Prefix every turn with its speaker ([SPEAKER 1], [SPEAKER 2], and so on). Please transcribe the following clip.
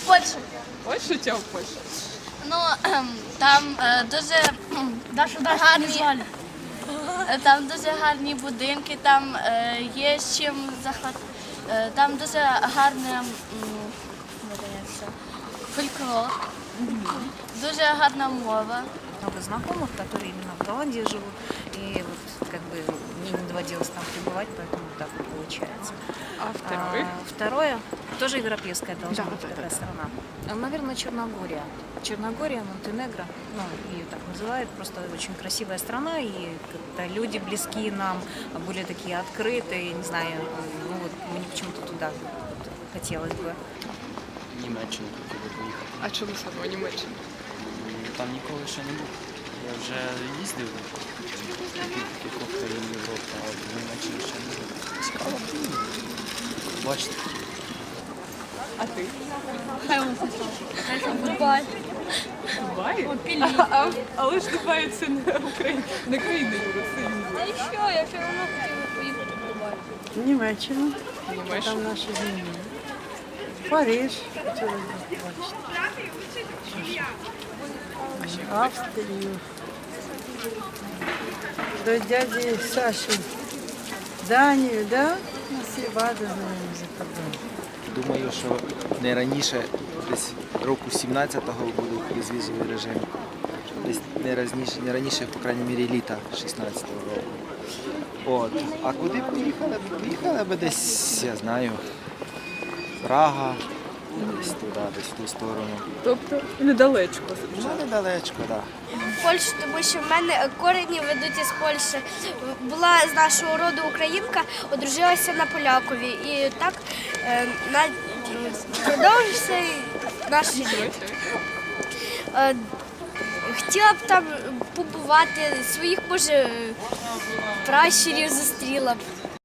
[SPEAKER 1] Польща.
[SPEAKER 2] Польща чи в Польщі?
[SPEAKER 1] Ну, там дуже гарні, там дуже гарні будинки, там є з чим там дуже гарне фольклор, дуже гарна мова.
[SPEAKER 3] Много знакомых, которые именно в Голландии живут, и вот как бы мне не доводилось там пребывать, поэтому так вот получается.
[SPEAKER 2] А второй?
[SPEAKER 3] Второе, тоже европейская должна быть такая страна. Наверное, Черногория. Черногория, Монтенегро, ну, ее так называют, просто очень красивая страна, и как-то люди близкие нам, более такие открытые, не знаю, ну вот мне почему-то туда вот хотелось бы.
[SPEAKER 4] Німеччину хотів би поїхати.
[SPEAKER 2] А чому саме в Німеччину?
[SPEAKER 4] Там ніколи ще не був. Я вже їздив в кількох країн Європи, а в Німеччині ще не був. Цікаво. Бачите.
[SPEAKER 2] А ти?
[SPEAKER 1] Дубай.
[SPEAKER 2] Дубай? Але ж Дубай це не країна Євросоюзу.
[SPEAKER 1] Та і що, я все одно хотіла поїхати в Дубай.
[SPEAKER 5] Німеччину,
[SPEAKER 2] Німеччина?
[SPEAKER 5] там наші землі. Париж, хотіла б бачити. Австрію. До дяді Саші. Данію, да? Ну, всі бади знаємо за кордоном.
[SPEAKER 6] Думаю, що не раніше, десь року 17-го буде безвізовий режим. Десь не раніше, по крайній мірі, літа 16-го року. От. А куди б поїхали? Поїхали б десь, я знаю, Прага, десь туди, десь в ту сторону.
[SPEAKER 2] Тобто недалечко.
[SPEAKER 6] Ну, недалечко, так.
[SPEAKER 7] Польщу, тому що в мене корені ведуть із Польщі. Була з нашого роду українка, одружилася на полякові. І так продовжився наш рід. Хотіла б там побувати, своїх, може, пращурів зустріла б.